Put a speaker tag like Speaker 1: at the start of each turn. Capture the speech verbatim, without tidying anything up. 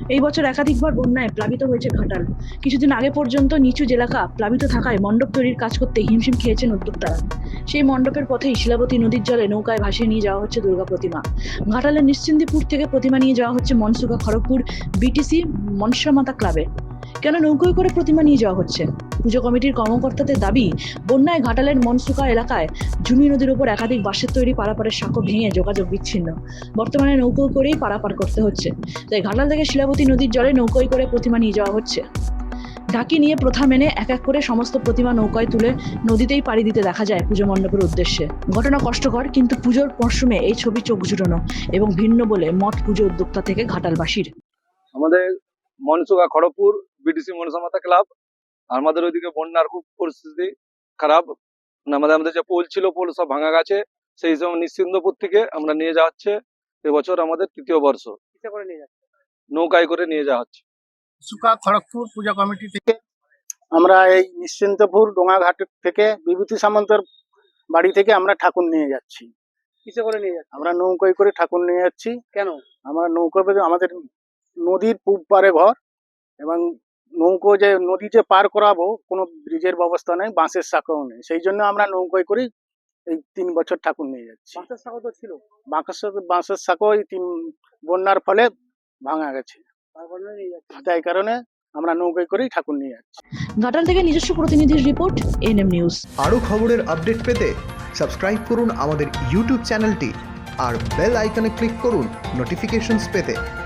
Speaker 1: এই বছর একাধিকবার বন্যায় প্লাবিত হয়েছে ঘাটাল। কিছুদিন আগে পর্যন্ত নিচু এলাকা প্লাবিত থাকায় মণ্ডপ তৈরির কাজ করতে হিমশিম খেয়েছেন উদ্যোক্তারা। সেই মণ্ডপের পথেই শিলাবতী নদীর জলে নৌকায় ভাসিয়ে নিয়ে যাওয়া হচ্ছে দুর্গা প্রতিমা। ঘাটালের নিশ্চিন্দিপুর থেকে প্রতিমা নিয়ে যাওয়া হচ্ছে মনসুকা খড়গপুর বিটিসি মনসামাতা ক্লাবে। কেন নৌকোয় করে প্রতিমা নিয়ে যাওয়া হচ্ছে? পুজো কমিটির কর্মকর্তাদের দাবি, বন্যায় ঘাটালের মনসুকা এলাকায় ঝুনি নদীর উপর একাধিক বাঁশের তৈরি পারাপারের সাঁকো ভেঙে যোগাযোগ বিচ্ছিন্ন। বর্তমানে নৌকো করেই পারাপার করতে হচ্ছে। তাই ঘাটাল থেকে শিলাবতী নদীর জলে নৌকোয় করে প্রতিমা নিয়ে যাওয়া হচ্ছে। ঢাকি নিয়ে প্রথা মেনে এক এক করে সমস্ত প্রতিমা নৌকায় তুলে নদীতেই পাড়ি দিতে দেখা যায় পুজো মণ্ডপের উদ্দেশ্যে। ঘটনা কষ্টকর, কিন্তু পুজোর মরশুমে এই ছবি চোখ জুটানো এবং ভিন্ন বলে মঠ পুজো উদ্যোক্তা থেকে ঘাটালবাসীর।
Speaker 2: আমাদের মনসুকা খড়গপুর বিটিসি মনসামাতা ক্লাব, আমাদের ওইদিকে বন্যার খুব পরিস্থিতি খারাপ। আমাদের আমাদের যে পোল ছিল, পোল সব ভাঙা গেছে। সেই সময় নিশ্চিন্দপুর থেকে আমরা নিয়ে যাওয়া হচ্ছে। এবছর আমাদের তৃতীয় বর্ষ, নৌকায় করে নিয়ে যাওয়া হচ্ছে।
Speaker 3: মনসুকা খড়গপুর পূজা কমিটি থেকে আমরা এই নিশ্চিন্তপুর ডোঙাঘাট থেকে বিভূতি সামন্তের বাড়ি থেকে আমরা ঠাকুর নিয়ে যাচ্ছি।
Speaker 4: কিসে করে নিয়ে যাচ্ছে?
Speaker 3: আমরা নৌকায় করে ঠাকুর নিয়ে যাচ্ছি।
Speaker 4: কেন?
Speaker 3: আমরা নৌকা আমাদের নদীর পূব পারে ঘর, এবং নৌকো যে নদী যে পার করাবো, কোনো ব্রিজের ব্যবস্থা নেই, বাঁশের শাখাও নেই। সেই জন্য আমরা নৌকায় করে এই তিন বছর ঠাকুর নিয়ে যাচ্ছি।
Speaker 4: বাঁশের শাখা তো ছিল,
Speaker 3: বাঁশের বাঁশের শাখা এই তিন বন্যার ফলে ভাঙা গেছে, তাই কারণে আমরা নৌকায় করেই ঠাকুর নিয়ে যাচ্ছি।
Speaker 1: ঘাটাল থেকে নিজস্ব প্রতিনিধির রিপোর্ট, এনএম নিউজ।
Speaker 5: আরও খবরের আপডেট পেতে সাবস্ক্রাইব করুন আমাদের ইউটিউব চ্যানেলটি আর বেল আইকনে ক্লিক করুন নোটিফিকেশনস পেতে।